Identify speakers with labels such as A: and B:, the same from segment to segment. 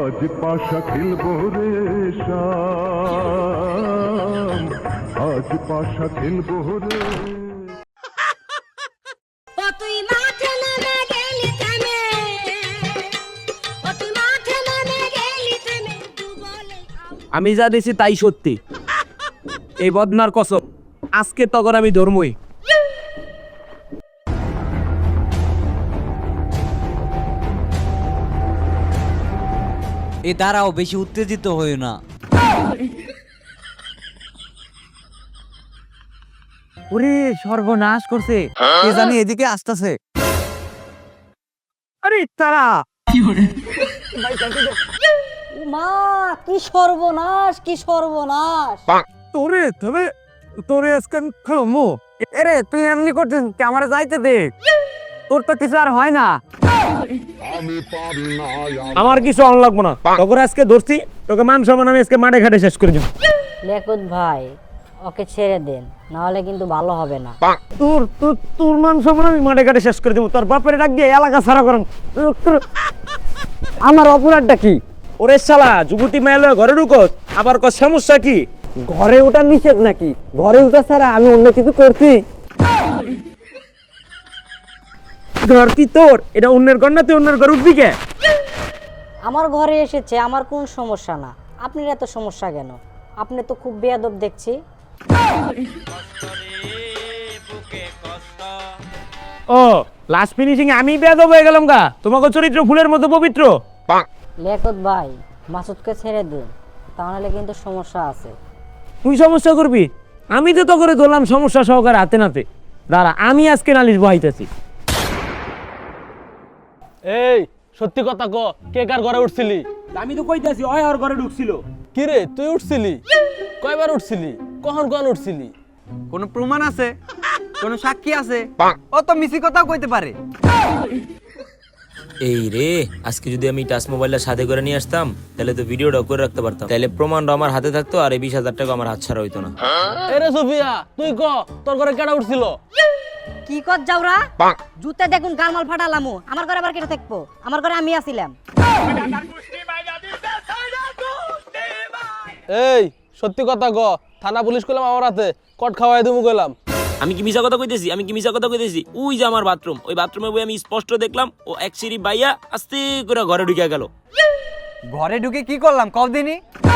A: আজ পাশা খেলবো রে শাম, আজ পাশা খেলবো রে।
B: ও তুই মাঠে নেমে গেলি থেমে, ও তুই মাঠে নেমে গেলি থেমে, দু বলে
C: আমি যা দিছি তাই সত্যি। এই বদনার কসম, আজকে তখন আমি ধর্মই।
D: এ দাঁড়াও, বেশি উত্তেজিত হইও না। ওরে সর্বনাশ করছে, কে জানি এদিকে আসতেছে।
C: আরে তারা
E: মা, কি সর্বনাশ, কি সর্বনাশ!
C: তোরে তবে তোরে আজকে খামু। এরে তুই এমনি করছিস, ক্যামেরা যাইতে দে, তোর তো কিছু আর হয় না। আমার কিছু অন লাগবো না, তোকে আজকে ধরছি, তোকে মান সম্মান আমি আজকে মাঠে ঘাটে শেষ করে যাব।
E: লেকুত ভাই, ওকে ছেড়ে দেন, না হলে কিন্তু ভালো হবে না।
C: তোর তোর তোর মান সম্মান আমি মাঠে ঘাটে শেষ করে দেবো। তোর বাপের ডাক দিয়ে এলাকা ছাড়া করেন। আমার অপরাধটা কি? ওরে শালা, যুবতী মেয়ে ঘরে ঢুকোস, আবার কর সমস্যা কি? ঘরে ওটা নিষেধ নাকি? ঘরে ওটা ছাড়া আমি অন্য কিছু করছি? ঘর কি তোর? এটা অন্যের ঘর না, তুই অন্যের ঘর উঠবি কে?
E: আমার ঘরে এসেছে, আমার কোন সমস্যা না, আপনার এত সমস্যা কেন? আপনি তো খুব বেয়াদব দেখছি।
C: ও লাস্ট ফিনিশিং আমি বেয়াদব হয়ে গেলাম গা? তোমাকে চরিত্র ফুলের মতো পবিত্র।
E: লেকুত ভাই, মাসুদকে ছেড়ে দিন, তাহলে কিন্তু সমস্যা আছে।
C: তুই সমস্যা করবি? আমি তো তো করে ধরলাম সমস্যা সহকারে হাতে নাতে। দাঁড়া, আমি আজকে নালিশ বহাইতেছি।
F: এই সত্যি কথা ক, কে কার ঘরে উঠছিলি?
C: আমি তো কইতাছি ওই ওর ঘরে ঢুকছিল।
F: কি রে, তুই উঠছিলি? কয়বার উঠছিলি? কখন কখন উঠছিলি?
D: কোনো প্রমাণ আছে? কোনো সাক্ষী আছে? ও তো মিছি কথা কইতে পারে।
G: এই রে, আজকে যদি আমি টাচ মোবাইলটা সাথে করে নিয়ে আসতাম, তাহলে তো ভিডিওটা করে রাখতে পারতাম, তাহলে প্রমাণটা আমার হাতে থাকতো, আর এই 20,000 টাকা আমার হাত ছাড়া হইতো না।
F: এ রে সুফিয়া, তুই ক, তোর ঘরে কেডা উঠছিল?
E: কি কর যাওরা? জুতে দেখুন গালমাল ফাটালামু, আমার ঘরে আবার কেটে থাকবো? আমার ঘরে আমি আছিলাম।
F: এই সত্যি কথা ক, থানা পুলিশ কইলাম আমার হাতে, কট খাওয়াই দিমু কইলাম।
G: আমি কি মিছা কথা কইতেছি? আমি কি মিছা কথা কইতেছি? ওই যে আমার বাথরুম, ওই বাথরুমে বই আমি স্পষ্ট দেখলাম ও এক সিঁড়ি বাইয়া আস্তে করে ঘরে ঢুকে গেল।
D: ঘরে ঢুকে কি করলাম কদিনই?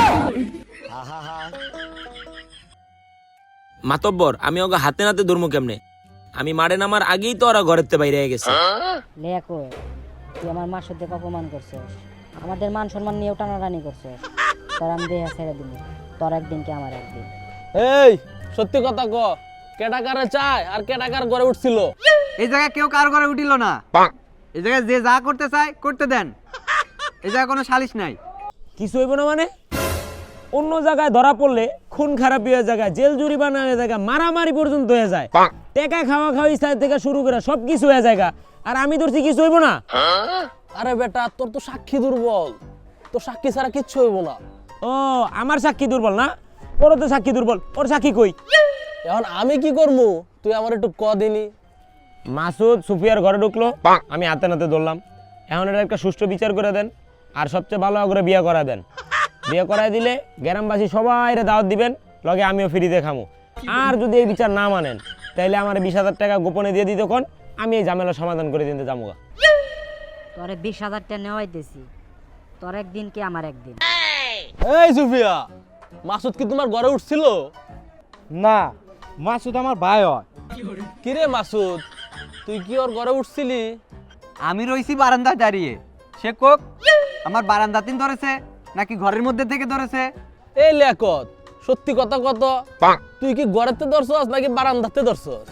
G: মাতব্বর, আমি ওকে হাতে নাতে ধরবো কেমনে? আমি মারে নামার আগেই তো ওরা ঘরের তে বাইরে গেছে।
E: লেকুত, তুই আমার মাসুদকে অপমান করছিস, আমাদের মান সম্মান নিয়েও টানাটানি করছিস। তোর আমি দেহা ছেড়ে দিব, তোর একদিন কি আমার একদিন।
F: এই সত্যি কথা ক, কেডা কারে চায় আর কেডা কার ঘরে উঠছিল?
D: এই জায়গায় কেউ কার ঘরে উঠিল না। এই জায়গায় যে যা করতে চায় করতে দেন, এই জায়গায় কোনো সালিশ নাই।
C: কিছু হইব না মানে? অন্য জায়গায় ধরা পড়লে খুন খারাপি হয়ে যায়, জেল জরিমানা হয়ে যায়, মারামারি পর্যন্ত হয়ে যায়, টেকা খাওয়া খাওয়া স্থায়ী থেকে শুরু করে সবকিছু হয়ে যায়। আর আমি ধরছি কিছু হইব না?
F: আরে বেটা, তোর তো সাক্ষী দুর্বল, তোর সাক্ষী ছাড়া কিচ্ছু হইব না।
C: ও আমার সাক্ষী দুর্বল না? ওর তো সাক্ষী দুর্বল, ওর সাক্ষী কই?
F: এখন আমি কি করবো, তুই আমার একটু ক দিনি।
C: মাসুদ সুফিয়ার ঘরে ঢুকলো, আমি হাতে নাতে ধরলাম। এখন এটা একটা সুষ্ঠু বিচার করে দেন, আর সবচেয়ে ভালো করে বিয়ে করা দেন। বিয়ে করাই দিলে গ্রামবাসী সবাই দাওয়াত দিবেন, লগে আমিও ফ্রিতে খামু। আর যদি এই বিচার না মানেন, তাইলে আমার 20,000 টাকা গোপনে দিয়ে দিত, কোন আমি এই ঝামেলা সমাধান করে দিতে যাবো।
E: তোরে 20,000 টাকা নেওয়াইতেছি, তোর একদিন কি আমার একদিন।
F: এই সুফিয়া, মাসুদ কি তোমার ঘরে উঠছিল?
H: না, মাসুদ আমার ভাই হয়।
F: কি রে মাসুদ, তুই কি ওর ঘরে উঠছিলি?
D: আমি রইছি বারান্দায় দাঁড়িয়ে, সে কোক আমার বারান্দাতেই ধরেছে নাকি ঘরের মধ্যে থেকে ধরেছে?
F: এই লেকত, সত্যি কথা কত, তুই কি ঘরেতে ধরছস নাকি বারান্দাতে ধরছস?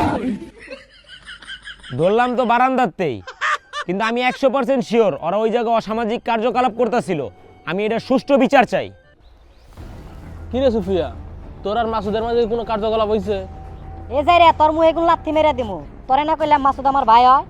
C: ধরলাম তো বারান্দাতেই, কিন্তু আমি 100% শিওর ওরা ওই জায়গায় অসামাজিক কার্যকলাপ করতেছিল। আমি এটা সুষ্ঠু বিচার চাই।
F: কি রে সুফিয়া, তোর আর মাসুদের মাঝে কোনো কার্যকলাপ হইছে?
E: এ যাই রে, তোর মুহে কোন লাথি মেরে দিমু। তোরে না কইলাম মাসুদ আমার ভাই হয়?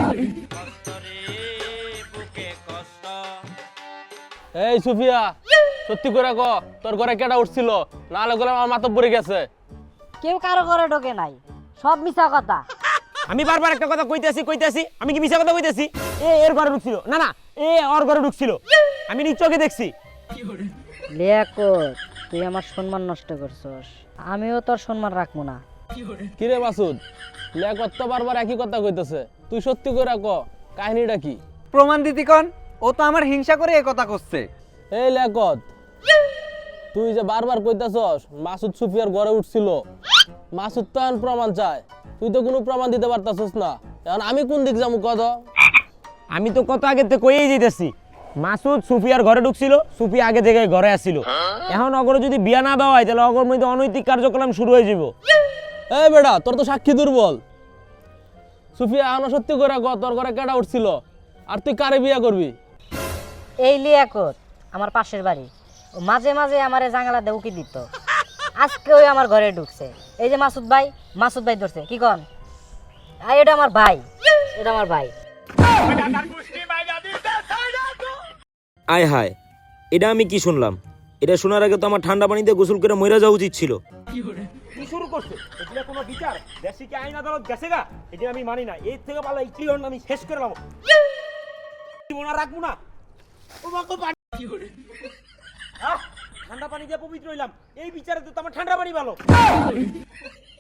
F: এই সুফিয়া, সত্যি করে ক, তোর ঘরে কেডা উঠছিল? না হলে গেলে আমার মাথা পড়ে গেছে।
E: কেউ কারো ঘরে ঢোকে নাই, সব মিছা কথা।
C: আমি বারবার একটা কথা কইতেছি, আমি কি মিছা কথা কইতেছি? এর ঘরে ঢুকছিল না, না এ ওর ঘরে ঢুকছিল। আমি নিজ চোখে দেখছি।
E: লিয়াকত, তুই আমার সম্মান নষ্ট করছস, আমিও তোর সম্মান রাখবো না।
F: কিরে মাসুদ, লিয়াকত তো বারবার একই কথা কইতেছে, তুই সত্যি করে ক কাহিনীটা কি?
D: প্রমাণ দিতি কন, ও তো আমার হিংসা করে এ কথা করছে।
F: এই লিয়াকত, তুই যে বারবার কইতাছস মাসুদ সুফিয়ার ঘরে উঠছিল, মাসুদ তো এখন প্রমাণ চায়, তুই তো কোনো প্রমাণ দিতে পারতাছস না, এখন আমি কোন দিক যাবো কত?
C: আমি তো কত আগে থেকে কইই যেতেছি মাসুদ সুফিয়ার ঘরে ঢুকছিল, সুফিয়া আগে থেকে ঘরে আসছিল। এখন অগরে যদি বিয়া না দেওয়া হয় তাহলে অগর মধ্যে অনৈতিক কার্যক্রম শুরু হয়ে যাব।
F: এই বেটা, তোর তো সাক্ষী দুর্বল। সুফিয়া এখন সত্যি করে ক তোর ঘরে কেডা উঠছিল, আর তুই কারে বিয়া করবি?
E: এই লিয়াকত আমার পাশের বাড়ি, ও মাঝে মাঝে আমার জাঙ্গালা দিয়ে উকি দিত, আজকে ওই আমার ঘরে ঢুকছে। এই যে মাসুদ ভাই ধরছে, কি কন? এটা আমার ভাই, এটা আমার ভাই।
G: আয় হায়, এটা আমি কি শুনলাম? এটা শোনার আগে তো আমার ঠান্ডা পানিতে গোসল করে মইরা যাওয়া উচিত ছিল।
C: কি শুরু করছে? এটা কোনো বিচার? দেশে কি আইন আদালত গেছে গা? এটা আমি মানি না। এর থেকে ভালো এই ক্লিয়র আমি শেষ করে লাম। মনে রাখবো না। ও মাগো পানি কি করে? ঠান্ডা পানি দিয়ে পবিত্র হইলাম, এই বিচারে তো আমার ঠান্ডা পানি ভালো।